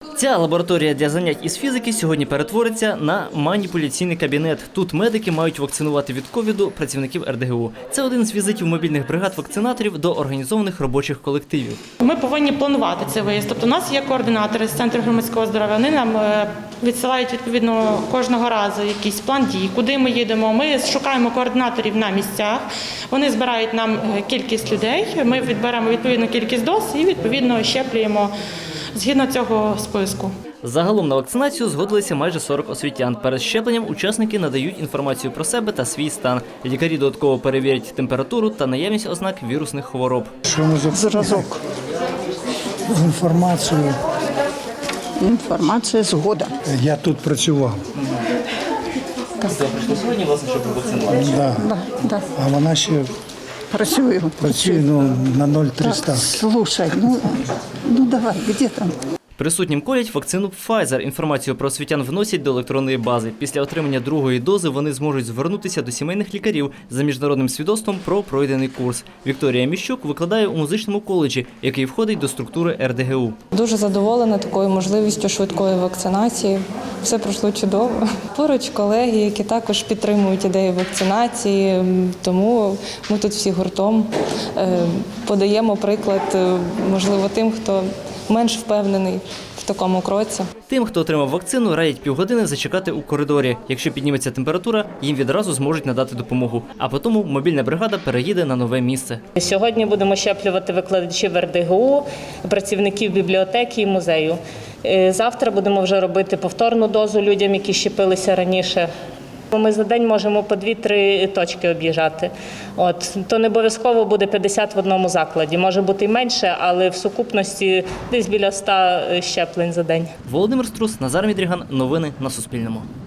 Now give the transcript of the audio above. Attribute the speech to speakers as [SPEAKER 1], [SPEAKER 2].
[SPEAKER 1] Ця лабораторія для занять із фізики сьогодні перетвориться на маніпуляційний кабінет. Тут медики мають вакцинувати від ковіду працівників РДГУ. Це один з візитів мобільних бригад вакцинаторів до організованих робочих колективів.
[SPEAKER 2] Ми повинні планувати цей виїзд. Тобто у нас є координатори з Центру громадського здоров'я. Вони нам відсилають відповідно кожного разу якийсь план дій, куди ми їдемо. Ми шукаємо координаторів на місцях. Вони збирають нам кількість людей. Ми відберемо відповідну кількість доз і відповідно щеплюємо згідно цього списку.
[SPEAKER 1] Загалом на вакцинацію згодилися майже 40 освітян. Перед щепленням учасники надають інформацію про себе та свій стан. Лікарі додатково перевірять температуру та наявність ознак вірусних хвороб.
[SPEAKER 3] Що ми за зразок? Інформацію.
[SPEAKER 4] Інформація згода.
[SPEAKER 3] Я тут працював.
[SPEAKER 1] Прийшли сьогодні, власне, щоб вакцинувати.
[SPEAKER 4] Да.
[SPEAKER 3] А вона ще
[SPEAKER 4] Працюю.
[SPEAKER 3] працює на 0,300.
[SPEAKER 4] Слушай, ну давай, где там?
[SPEAKER 1] Присутнім колять вакцину Pfizer. Інформацію про освітян вносять до електронної бази. Після отримання другої дози вони зможуть звернутися до сімейних лікарів за міжнародним свідоцтвом про пройдений курс. Вікторія Міщук викладає у музичному коледжі, який входить до структури РДГУ.
[SPEAKER 5] Дуже задоволена такою можливістю швидкої вакцинації. Все пройшло чудово. Поруч колеги, які також підтримують ідею вакцинації, тому ми тут всі гуртом подаємо приклад, можливо, тим, хто менш впевнений в такому кроці.
[SPEAKER 1] Тим, хто отримав вакцину, радять півгодини зачекати у коридорі. Якщо підніметься температура, їм відразу зможуть надати допомогу. А потім мобільна бригада переїде на нове місце.
[SPEAKER 6] Сьогодні будемо щеплювати викладачів РДГУ, працівників бібліотеки і музею. Завтра будемо вже робити повторну дозу людям, які щепилися раніше. Ми за день можемо по 2-3 точки об'їжджати. То не обов'язково буде 50 в одному закладі. Може бути і менше, але в сукупності десь біля 100 щеплень за день.
[SPEAKER 1] Володимир Струс, Назар Мідріган. Новини на Суспільному.